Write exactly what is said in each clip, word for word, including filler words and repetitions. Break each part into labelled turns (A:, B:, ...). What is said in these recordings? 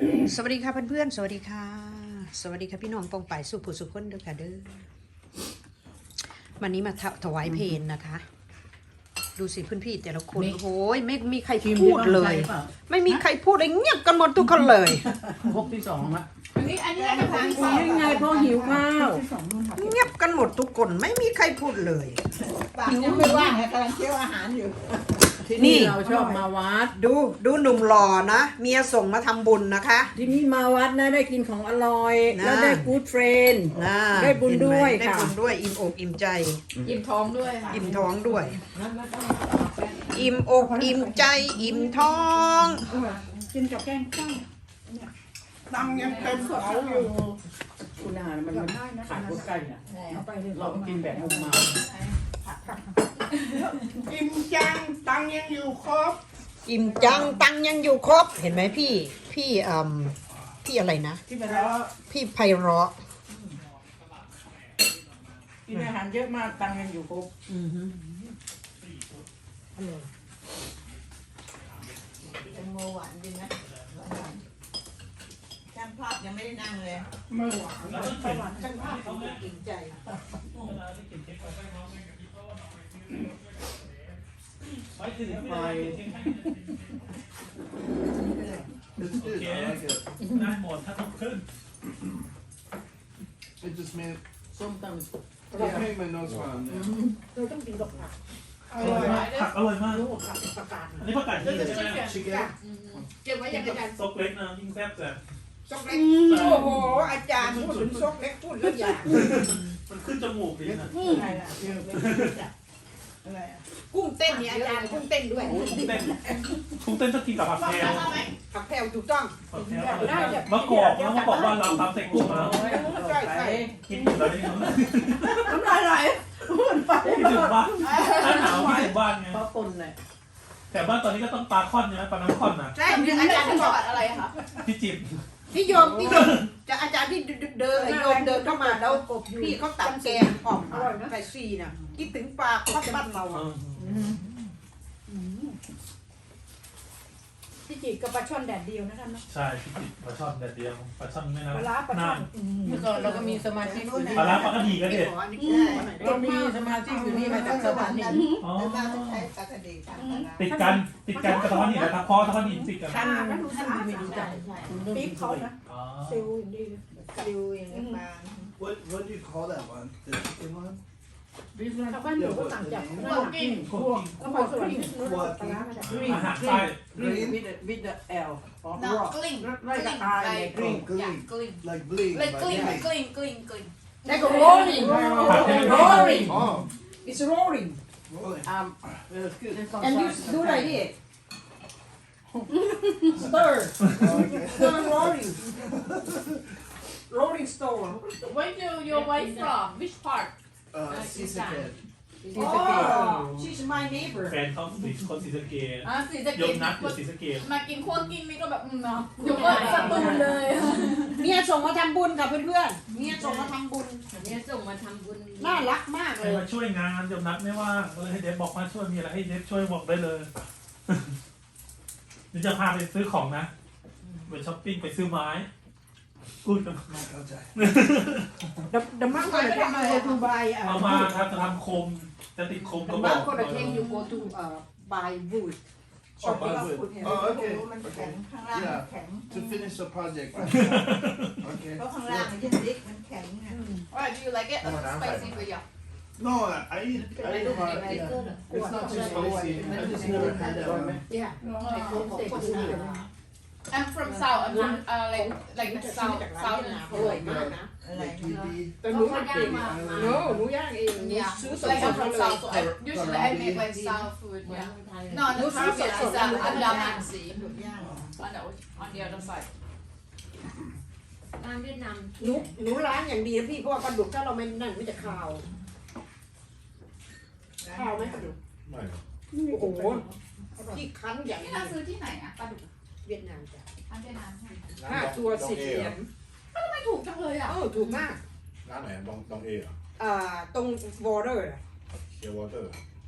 A: สวัสดีค่ะเพื่อนๆสวัสดีค่ะสวัสดีค่ะพี่น้องปองป่ายสุผู้สุขคนเด้อค่ะเด้อวันนี้มาถวายเพลงนะคะ ดูสิเพื่อนพี่แต่ละคนโอ้ยไม่มีใครพูดเลย ไม่มีใครพูดเลยเงียบกันหมดทุกคนเลย
B: พกที่สองละ
C: อันนี้อันนี้เป็นทางสอง
B: ยังไงพ่อหิวข้าว
A: เงียบกันหมดทุกคนไม่มีใครพูดเลย
C: ปากยังไม่ว่างไงกำลังเคี้ยวอาหารอยู่
B: ที่นี่เราชอบมาวัด
A: ดูดูหนุ่มหล่อนะเมียส่งมาทำบุญนะคะ
B: ที่นี่มาวัดนะได้กินของอร่อย
A: นะ
B: แล้วได้กู๊ดเฟรนด์
A: นะ
B: ได้บุญด้วย
A: ได้
B: ค่ะ
A: บุญด้วยอิ่มอกอิ่มใจ
C: อิ่มท้องด้วยค่ะ
A: อิ่มท้องด้วย อิ่มอกอิ่มใจอิ่มท้อง
C: กินกับแกงข้าวตังยังเต็มกระเป๋าอยู่
B: คุณอาหารมันมันขาดพวกใกล้น่ะเรากินแบบมุมมา
C: อิ่มจังตังยังอยู่ครบ
A: อิ่มจังตังยังอยู่ครบเห็นไหมพี่พี่อืมพี่อะไรนะ
B: ที่ไปแล้ว
A: พี่ไพเราะ
B: กินอาหารเยอะมากตังค์ยังอยู่ครบ
C: แตงโมหวานดีนะช่างภาพยังไม่ได้นั่งเลยไม่หวานช่างภาพเขาอิ่มใจ
D: ไปถึงไป
E: It's good. I like it.
D: ได้หมดถ้าต้องขึ้น
E: It just made
B: ส้มตำ
E: it made my nose run. Yeah.
C: เราต้องกินกับผักอ
D: อ
C: ร่
D: ร่
C: อ
D: อย
C: ย
D: มากผักอร่อยมาก
C: ลูกผักประกาศ
D: อันนี้ผักกาดที่ใช่ไหม
E: Chicken.
C: เก็บไว้อย่างอาจารย์
D: ซกเล็กนะยิ่งแซ่บแต่
C: ซกเล็กโอ้โหอาจารย์พูดถึงซกเล็กพูดแล้วอยาก
D: มันขึ้นจมูกดีนะ
C: อะไรล่ะอะไรอ่ะกุ้งเต้นเนี่ยอาจารย์กุ้งเต้นด้วย
D: กุ้งเต้นกุ้งเต้นต้องกินกับผักแพรว
A: ผักแพรวถูกต้อง
D: ผักแพรวมะกอกนะมะกอกว่าเราตำใส่กุ้งนะ
C: ใช่ใช่
D: กินอยู่แล้วนี่
C: น้ำลายไหลพูดไป
D: คิดถึงบ้านหน้าหนาวคิดถึงบ้านไง
B: เพราะปนเลย
D: แต่บ้านตอนนี้ก็ต้องปลาค่อนใช่ไหมปลาน้ำค่อนนะ
A: ใช่อาจารย์ที่บอกอะไรคะ
D: พี่จิบ
A: พี่โยมพี่โยมจะอาจารย์ที่เดินโยมเดินเข้ามาแล้วพี่เขาตัดแกงออกใส่ซีน่ะคิดถึงปลาข้าวบ้านเรา
D: เอ
A: อ่ะ
D: อ
C: พี่จีกับปลาช่อนแดดเดียวนะคะเนาะ
D: ใช่พี่จิบปลาช่อนแดดเดียวปลาช่อนไม่
C: ปลา
D: น้ำ
C: ร้าปลาช่อน
B: เมื่อก่อนเราก็มีสมาชิกอยู่นี่
D: ปลาร้าปลากระดีก็เด็ด
B: เรามีสมาชิกอยู่นี่มาจากสวรรค์นี่
D: อ๋อ
C: มาจะใช้ปลากระดีค่ะ
D: ติดกันติดกันกระท้อนหินนะครับเพราะกระท้อนหินติดกัน
B: ท่านท่านไม่รู้จัก
C: ปี๊บเขานะ
D: อ๋อ
C: ซิลอย่างดีซิลอย่างนี้มา
E: What what do you call that one? The chicken one?
C: ชาวบ้านหนูก็ต่างจากหน้าหลัง
B: กิ้ง
D: พวก
C: ก็มาสวนนู้นปลาร้ามาจาก
D: อาหารใต้
B: green with the with the L or
F: No,
B: rock
F: cling.
B: ไร่กระต่ายไง
F: Cling.
B: green
E: Oh, gling.
F: Yeah, cling.
E: Like bling.
F: Like
E: but
F: cling,
E: bling.
F: cling, cling, cling.
A: ได้ก็ rolling
B: rolling
E: Oh,
A: it's rolling
E: rolling.
B: um it's good
A: and you do like it stir
E: Okay.
A: stir rolling rolling store
F: Where do your wife from? Which part?
E: Uh, Sisaked.
A: oh she's my neighbor
D: แฟนเขาสีคนสีสะเกด
F: อ่าสีสะ
D: ย
F: เก
D: ม
F: ด
D: นัดอยู่สีสะเกด
F: มากินคั่วกิ้งนี่ก็แบบอืมเนาะเดี๋ยวก็สตูนเลย
A: เมียส่งมาทำบุญค่ะเพื่อนๆเมียส่งมาทำบุญ
F: เนี่ยส่งมาทำบุญ
A: น่ารักมาก
D: ใค
A: เล
D: ร
A: ย
D: มาช่วยงานยมนัดไม่ว่างก็เลยให้เดฟบอกมาช่วยมีอะไรให้เดฟช่วยบอกได้เลยเดี๋ยวจะพาไปซื้อของนะไปช้อปปิ้งไปซื้อไม้พูดกัน
E: Okay.
A: the the man gonna take you go to buy
D: เอา
A: uh
D: มาครับจะทำโคมจะติดโคม
A: the
D: ก็บ
A: man
D: อก
A: gonna take you go to uh buy wood
E: Oh, wood. Oh, okay.
C: มันแข็
E: Okay.
C: งข้างล่างมันแข็ง
E: To finish the project. Okay.
C: เพราะข้างล่างมันยังเล็กมันแข็งไง
F: Alright, do you like it? Or is it spicy for you?
E: No, I I eat. I eat hot. Yeah. It's not too spicy. I just never had that one.
A: yeah
F: I'm from South. I'm from uh, like like the South
A: จากร้าน
F: South
A: เวียดนามอร่อยมากนะ
C: อะไร
E: Like
C: เนาะ
E: T V.
A: แต่หนูมันเก่ง no หนูย่างเองหนู
F: Yeah,
A: ซื้อส
F: like
A: ด
F: I'm
A: ๆ
F: from
A: เลย
F: South, so I, usually I make like South food. Yeah. No, the Caribbean is uh, Andaman Sea.
C: หลุดย่าง
F: On the on the other side.
G: ร้านเวียดนาม
A: หนูหนูล้างอย่างดีนะพี่เพราะว่าปลาดุกถ้าเราไม่นั่นมันจะคาวคาวไหมปลาดุกโอ้โหพี่คั้นอย่าง
F: นี่
A: ดี
F: เราซื้อที่ไหนอะปลาดุก
A: เวียดนามจ้ะ
F: ร้านเวียดนามใช่ไหม
A: ห้าตัวสิบเหรียญ
F: ทำไมถูกจังเลยอะ
A: เออถูกมาก
H: ร้านไหนบองตองเอเหรอ
A: อ่าตรงวอเตอร์
H: เคียววอเตอร์
A: ม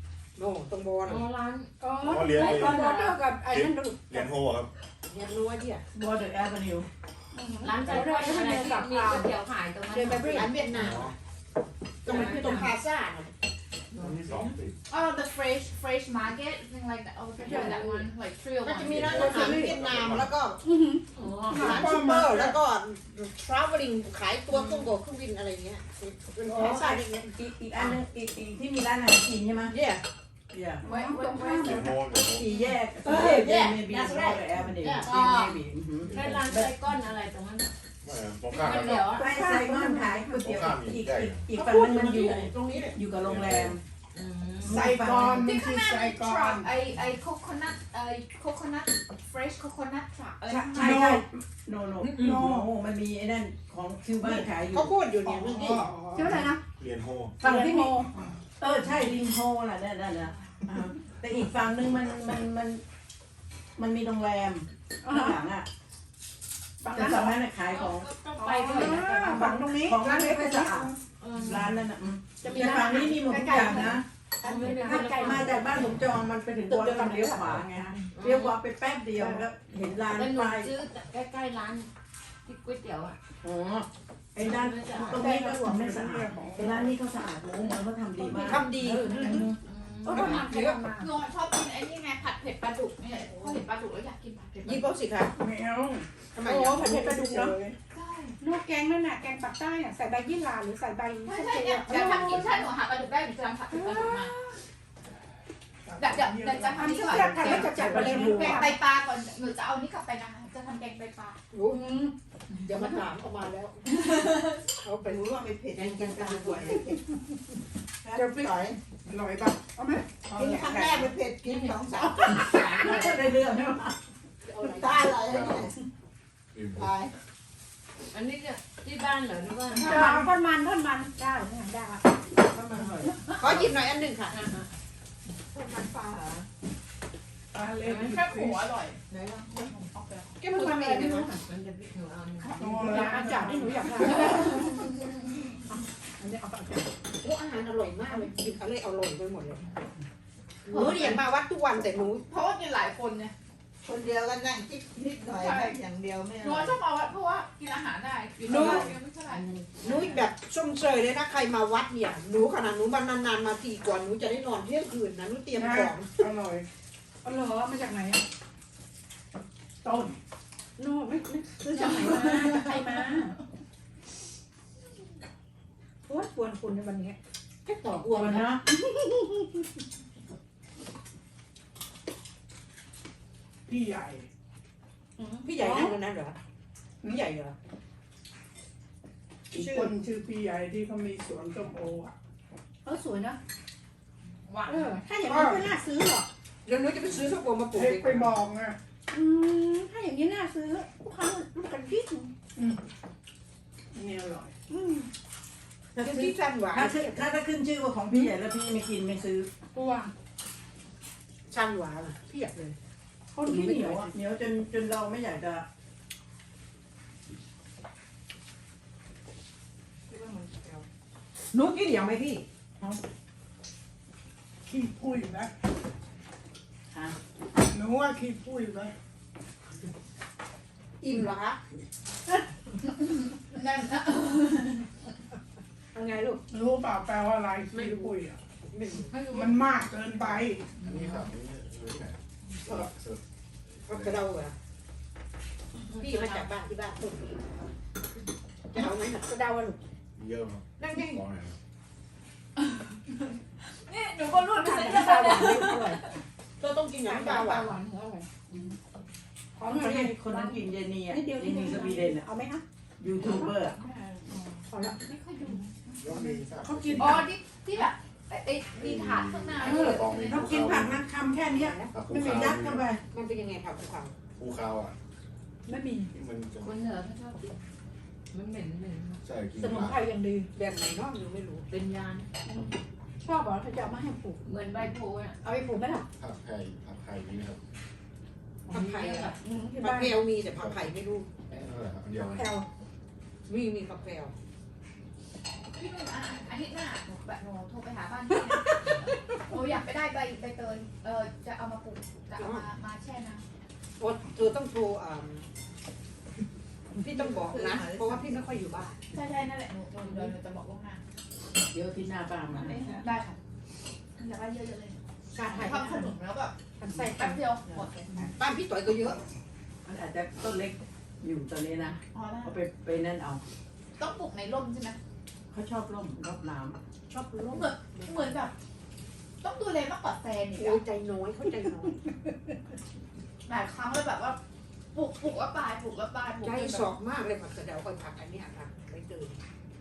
A: โน่ตรงบอล
G: อ๋อร้าน
C: อ๋อ
E: อ๋อเรียน
C: ไอ้บอลเดียวกับไอ้นั่นดู
E: เรียนโฮครับ
A: เรียนรู้ว่าที่อ่ะ
B: บอร์เดอร์แอเวนิว
G: ร้านใจกล้วยอะไรที่มีก๋วยเตี๋ยวขายตรงนั้น
C: เดินไปเรื่อย
A: ร้านเวียดนามตรงนั้นคือตรงพาซ่าน่ะ
E: ตรงที่สองติด
F: Oh, the fresh fresh market, thing like that. Oh, yeah, that one, like three oh
A: ก็
F: one.
A: จะมีร้านอาหารเวียดนามแล้วก็
G: อ๋อ
A: ร้านซูเปอร์แล้วก็ traveling ขายตัวเครื่องโบกเครื่องบินอะไรเงี้ยเป็นพาซ่าเล็ก
B: อีกอีกอันนึงอีกอีกที่มีร้านอาหารจีนใช่ไหม
A: ๆเนี่ย
B: เดี๋ยว
F: Wait, wait, wait.
E: เรียนโฮเรียนโฮ
B: สี่แยก
A: เออ
B: เด
A: yeah
B: เมบี
A: that's
B: บอ
A: right
B: ร์เดอร์แอเวนิว
A: Yeah
B: เดเมบี
G: ได้ร้านใจก้อนอะไรตรงนั้น
E: ไม่ตรงข้าม
G: ก๋วย
E: ค
G: เตี๋ย
E: รั
G: ว
E: บ
G: อ่ะ
B: ใกล้ไซมอนขายก๋วยเตี๋ยวอีกอีกอีก
A: ก็
B: ฝั่ง
A: พูด
B: นึง
A: ถึ
B: มัน
A: ง
B: อยู่
A: ตรงนี้เลย
B: อยู่กับโรงแรม
G: อืม
C: ไซกอนมัน
F: Think
C: คือ
F: of
C: ไซ
F: that
C: กอน
F: truck, a a coconut, a coconut, fresh coconut truck.
B: ใช่ใช่ใช่โนโนโนมันมีไอ้นั่นของคิวบ้านขายอยู่
A: เขาพูดอยู่เนี่ยเมื่อกี้
C: ชื่ออะไรนะ
E: เรียนโฮ
B: ฝั่งที่มีเออใช่ริมโฮน่ะนั่นนั่นนะอ่าแต่อีกฝั่งนึงมันมันมันมันมีโรงแรมข้างหลังอ่ะ
C: ฝั่ง
B: แต่
C: นั้นเหร
B: ฝั่ง
C: อ
B: นั้นน่ะขายของ
G: ต้อง
C: ไป
G: ไป
C: ด้
G: ด้
C: ว
G: วย ย
C: นะฝั่งตรงนี้
B: ของ
C: ร้าน
B: ไม่
C: เล็ก
B: ค่อย
C: ๆ
B: สะอาด
G: เออ
B: ร้านนั้นอ่ะอืม
C: จะมี
B: แต่
C: ร้า
B: ฝั่
C: น
B: งนี้มีหมดทุกอย่างนะ
G: ถ้า
B: ถ้าไกลมาจากบ้านผมจองมันไปถึงบอลต้องเลี้ยวขวาไงฮะเลี้ยวขวาไปแป๊บเดียวก็เห็นร้าน
G: แล้วหนู
B: ป้าย
G: ซื้อใกล้ๆร้านที่ก๋วยเตี๋ยวอ่ะ
B: อ๋อไอ้ร้านตรงนี้ก็ผมไม่สะอาดไอ้ร้านนี้เขาสะอาดโอ้โหเขาทำดีมาก
A: ทำดี
C: เออทำใครทำมา
F: หนูชอบกินไอ้นี่ไงผัดเผ็ดปลาดุกเนี่ยพอเห็นปลาดุกแล้วอยากกินผัดเผ็ดปลา
A: ยิ
F: ดุ
A: บ
F: ก
A: เอาสิคะ
C: ไม่เอา
A: ทำไม
C: โอ้
A: อ่ะ
C: ผัดเผ็ดปลาดุกเนาะ
F: ใช่
C: นวดแกงนั่นน่ะแกงปักใต้อ่ะใส่ใบยี่หร่าหรือใส่ใบ
F: ใช่ใช่เนี่ยเดี๋ยวทำกินถ้าหนูหาปลาดุกได้หนูจะทำผัดเผ็ดปลาดุกมาเดี๋ยวเดี๋ยวเดี๋ยวจะทำ
C: ทำ
F: นี่
C: เสื้อ
F: ก่อน
C: ทำแล้วจะจัดไปเลย
F: แกงไตปลาก่อนหนูจะเอานี่กลับไปนะคะจะทำแกงไตปลา
A: รู้เดี๋ยวมาถามเขามาแล้วเขาไปรู้ว่าไม่เผ็ดยังกันกันสวย
C: จะไป
A: ต่อย
C: อร่อยป่ะเอาไหม
A: กินครั้งแรกไม่เผ็ดกินสองสาม
B: ได้เรื่องใช่ไหม
A: ตายอะไรเนี่ยตาย
G: อันนี้เนี่ยที่บ้านเหรอหรือว่า
C: ทอดมันทอดมันได้ได้
A: ขอหยิบหน่อยอันหนึ่งค่ะ
C: มันปลาเหรอปลาเล็ก
F: แค่หัวอร่อย
A: ไหนล่ะแกมันทำเองไหมคะ
G: มันจะพิหนูเอาเนี่ย
C: โอ้ร้านอาจารย์ที่หนูอยากทานอันนี้เอาไป
A: โอ้อาหารอร่อยมากเลยกินอะไรอร่อยไปหมดเลยหนูเรียนมาวัดทุกวันแต่หนู
F: เพราะว่ากินหลายคนไง
H: คนเดียวก็นั่งจิ๊กนิดหน่อยแบบอย่างเดียวไม่
F: หนู
H: เอา
F: ชอบเอาวัดเพราะว่ากินอาหารได้กินอาหารไม่เท่าไหร่
A: หนูแบบส้มเชยเลยนะใครมาวัดเนี่ยหนูขนาดหนูมานานๆมาทีก่อนหนูจะได้นอนเที่ยงคืนนะหนูเตรียมของ
C: อร่อยอร่อยมาจากไหนอ่ะต้นโน่ไม่ไม่ซื้อจากไหนมาจากใครมาโอ้ยกวนคุณในวันนี้
A: แค่ต่อ
B: กลัวมันเนาะ
C: พี่ใหญ่
A: พี่ใหญ่นั่งตรงนั้นเหรอพี่ใหญ่เหรอ
C: อีกคนชื่อพี่ใหญ่ที่เขามีสวนส้มโออ่ะเออสวยนะ
F: หวาน
C: เออถ้าอย่างนี้ก็น่าซื้อหรอก
A: เดี๋ยวหนูจะไปซื้อส้มโอมาปลูก
C: เด็
A: เอก ง
C: ไปบอกอ่ะอืมถ้าอย่างนี้น่าซื้อลูกค้าลูกกันดิ้นนี่อร่อยอืม
A: แล้วที่สั้นหวาน
B: ถ้าขึ้นถ้าถ้าขึ้นชื่อว่าของพี่ใหญ่แล้วพี่ไม่กินไม่ซื้อ
C: ตัว
A: สั้นหวานเพียบเลย
C: คนที่เหนียว
B: อ่ะ
C: อ่ะ
B: เหนียวจนจนเราไม่อยากจะ
A: หนูกินเดี๋ยวไหมพี่
C: ขี้พุ้ยนะ
B: ฮะ
C: หนูว่าขี้พุ้ยนะ
A: อิ่มเหรอคะ
F: นั่นนะ
A: ยังไงลูก
C: รู้เปล่าแปลว่าอะไรขี้พุ้ยอ่ะ
A: ไม่รู้
F: ไม่รู้
C: มันมากเกินไป
E: นี่ครับนี่รู้ไหมสลับสลับ
A: เอากระเดาเหรอพี่มาจากบ้านที่บ้านต้นจะเอาไหมน่ะกระเดาอะลูก
E: เยอะครับ
A: นั่งนั่ง
E: ร้อยครับ
F: นี่หนูก็รู้
A: ก
F: นะ
A: ระ
F: เนี่ย
A: เดาหวานอร่อยก็ต้องกินอย่าง
C: น้ำ
A: น้ำ
C: ป
A: ป
C: ลา
A: ลา
C: ห
A: หวาน
C: วานหัวอร่อย
B: ของคนนี้คนนั้นกินเยนีอ่ะ
C: นิดเดียว
B: เย
C: นิด
B: นี
C: เดียว
B: สวีเดนอ่ะ
C: เอาไหมคะ
B: ยูทูบเบอร์อะ
C: พอละ
F: ไม่ค่อยดู
E: ยกนี้สัก
C: เขากิน
F: อ๋อที่ที่แบบไอ้ไอ้มีถาดข้างหน้า
B: เขากินผักนะคำแค่เนี้ย
E: ภู
B: ไม่มี
E: เขา
B: ยัดเข้าไป
A: มันเป็นยังไงครับคุณฟัง
E: ภูเขาอ่ะ
C: ไม่มี
E: ที่มันจะ
G: คนเหนือเขาชอบกินมันเหม็นเหม็น
E: ใช่กิน
C: สมุนไพรอย่างดี
A: แบบไหนเนาะหนูไม่รู้
G: เป็นยาน
C: ชอบเหรอเขาจะเอามาให้ปลูก
G: เหมือนใบโพอ่ะ
C: เอาไปปลูกไหมล่ะ
E: ผักไผ่ผักไผ่นี่นะครับ
A: ผักไผ่อะ
C: อืมที่
A: ผัก
C: บ้าน
A: แพรวมีแต่ผักไผ่ไม่รู้
E: นั่นแหละครับอันเดียว
C: แพลว
A: มีมีผักแพรว
F: พี่หนุ่มอาทิตย์หน้าหนูแบบหนูโทรไปหาบ้านพี่นะโอ้อยากไปได้ใบใบเตยเออจะเอามาปลูกจะเอามามาแช่น้
A: โอ้เธอต้องโทรอ่าพี่ต้องบอกนะ เพราะว่าพี่ไม่ค่อยอยู่บ้าน
F: ำใช่ใช่นั่นแหละหนูหนูเดี๋ยวหนูจะบอกล่วงหน้า
B: เดี๋ยวที่หน้าป้ามาเนี่ย
F: ได้ค่ะแต่ว่าเยอะๆเลย
A: การถ่าย
F: ทำขนมแล้วแบบ
A: ใส่
F: แป๊บเดียวหมดเลย
A: บ้านพี่ต่อยก็เยอะ
B: มันอาจจะต้นเล็กอยู่ตอนนี้นะ
F: อ๋อได้
B: เขาไปไปนั่นเอา
F: ต้องปลูกในร่มใช่ไหม
B: เขาชอบร่มรอบน้
A: ชอบรู้
F: เหมือนเหมือนแบบ ต้องดูแลมากกว่าแฟนอีก
A: โอ้ย
F: อะ
A: ใจน้อยเขาใจน้อย
F: หลายครั้งเลยแบบว่าปลูกปลูกแล้วตายปลูกแล้วตายปลูก
A: ใจ
F: จน
A: ส
F: แบ
A: อบ กมากเลยผักกระเดาคอยผักอันเนี้ยค่ะไม่เจอ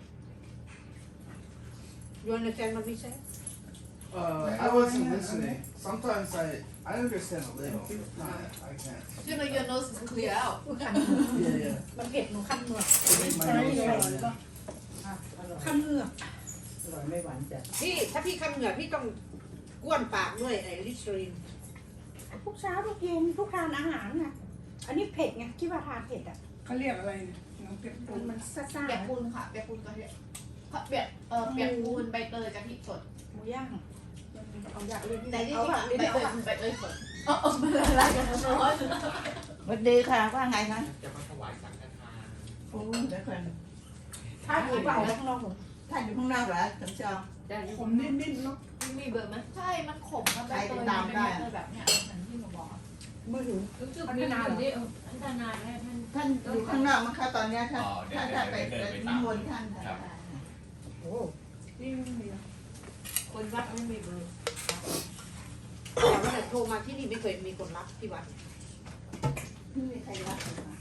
A: โยนในแกนมันไม่ใช่
E: Uh, I wasn't listening. Sometimes I I understand a little. Not, I can't.
F: you know your nose is clear out
E: Yeah, yeah.
C: มันเผ็ดหนูคันเหงือก
E: To make my
C: ใช่
E: nose
C: อร่อย
E: run.
C: ปะ
B: ำอ่ะอร่อย
C: คันเหงือก
B: อร่อยไม่หวานจัด
A: พี่ถ้าพี่คันเหงื่อพี่ต้องก้วนปากด้วยไอ้ลิสรีน
C: ทุกเช้าทุกเย็นทุกทานอาหารน่ะอันนี้เผ็ดไงคิดว่าทานเผ็ดอ่ะ
I: เขาเรียกอะไรเนี่ยน้องเป็ด
C: มันมันซ่า
F: เปียกปูนค่ะเปียกปูนกะทิเปียกเออเปียกปูนใบเตยกะทิสด
C: ๆหมูย่างเอาอยากเรียนที่ไหน
F: แต่ที่
C: เอา
F: จริง
C: แบบ
F: อะ
C: นี้
F: ใบ
C: ดีก
F: เตย
C: ว่า
F: ใบเตยสดเออเออมันละลายกันทั้งร้อน
H: สวัสดีค่ะว่าไงคะ
J: จะมาถวายสังฆทาน
H: โอ้เดี๋ยวก่อน
C: ถ้าอยู่เปล่าข้างนอกหนู
H: ท่านอยู่ข้างนอกเหรอสมชอง
I: ผมนิดๆเนาะ
G: มีเบอร์ไหม
F: ใช่มันขมมันใบเตยมันเป็นใบเตยแบบเนี้ยเหมือนที่หนูบอกอะ
C: มือถือ
G: รู้สึกมีอยู่ที่พัฒนาแม่ท่าน
H: ท่านอยู่ข้างนอกมั้งคะตอนเนี้ยท่าน
J: อ๋อเดี๋ยว
H: ท่าน
J: เดี๋
H: ท่าย น
J: ว
H: ไป
J: เดินไป
H: นิ
J: ตาม
H: มนต์ท่าน
J: ครับ
A: โอ้
C: นี่ไม่มี
G: คนวัดไม่มีเบอร์
A: แต่ว่าแต่โทรมาที่นี่ไม่เคยมีคนรับที่วัด
H: ไม่มีใครรับ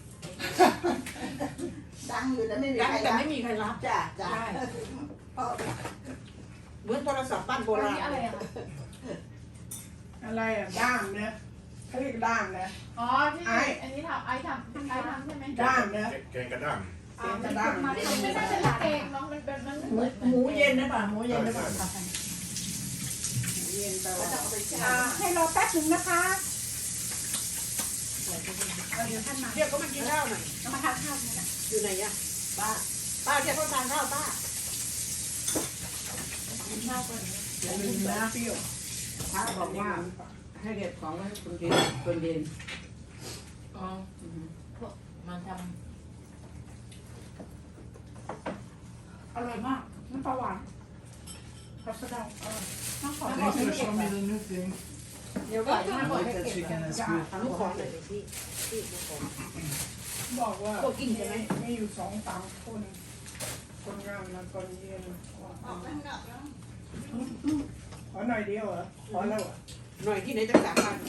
H: ดังอยู่แล้วไม่มี
A: ดัง
H: ใคร
A: แต่
H: รับ
A: ไม่มีใครรับ
H: จ้ะจ้ะเพราะ
A: เหมือนโทรศัพท์บ้านโบ
F: อัน
A: ราณ
F: นี้อะไรอะคะ
I: อะไรอ่ะด้ามเนี่ยเขาเรียกด้ามนะ
F: อ๋อที่อันนี้ทำไอทำไอทำใช่ไหม
I: ด้ามนะ
J: แกงกระด้าง
I: เสียงกระด้าง
F: มันไม่ใช่เป็นแกงน้องมันเป็นมัน
B: หมู
F: เหมือน
B: หมูเย็นนะป่ะหมูเย็นนะป่ะ
I: เย็นแปลว่า
C: อ่าให้รอแป๊บหนึ่งนะคะเอาเดี๋ยวท่านมา
A: เรียกเขามากินข้าวหน่อย
C: เอามาทานข้าวนี่แหละ
A: อยู่ไหนอะป้าป้าเรียกเขาทานข้าวป้า
B: อย่าลืมนะ
I: เปรี้ยว
B: พระบอกว่าให้เก็บของไว้คนเย็นคนเย็น
G: อ๋อมาท
C: อร่อยมากน้ำปลาหวานผัดสะเดาอร่อยน้ำขอ
E: Thanks
C: ขอ
E: for
C: ไม่เก็บ
E: showing me the new thing.
C: เดี๋ยวก่อน
E: I
C: นะบอก
E: like
C: ให้
E: that
C: เก็บ
E: chicken. That's
C: จ้า
E: good.
A: ทำลูกขอหน่อยสิพี่พี่ลูกขอ
I: บอกว่า
A: พวกกินใช่ไหม
I: มีอยู่สองสามคน คนงานมาตอนเย็น
H: ออกไปข้างนอกแล้ว
I: ขอหน่อยเดียวเหรอขอแล้วเหรอ
A: หน่อยที่ไหนจะสามพัน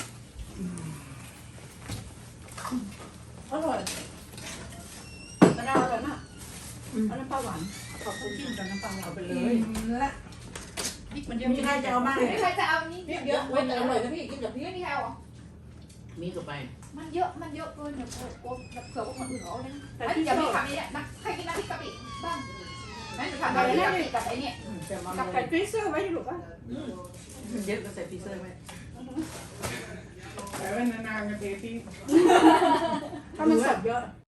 C: อร่อยสะเดาอร่อยมากเอาน้ำปลาหวานขอบคุณจิ้มกับน้ำปลาหวาน
B: เอาไปเล
I: อื
B: ย
I: มละ
C: มันเยอะ
B: มีใครจะเอาบ้าง
F: ไม่มีใครจะเอานี่
A: เยอะเว้ยอร่อยนะพี่กินกับพี่
F: ไม่มีใครเอา
B: มีต่อไป
F: มันเยอะมันเยอะเกินเดี๋ยวกลัวเผื่อว่าคนอื่นเอาเลย
C: แต่
F: ไอ้
C: ที่
F: เดี๋ยว
C: ช
F: พี่
C: อบ
F: ทำนี่นักใครกินน้ำพริกกะปิบ้างนั่นจะทำน้ำพริกกะปิกับไอ้เนี่ย
B: จะมา
C: กับไก่ฟรีเซอร์ไว้ที่หลูกอ่ะ
B: เยอะก็ใส่ฟรีเซอร์ไว้
I: แต่ว่านานๆกันทีที่
C: ถ้ามันสดเยอะ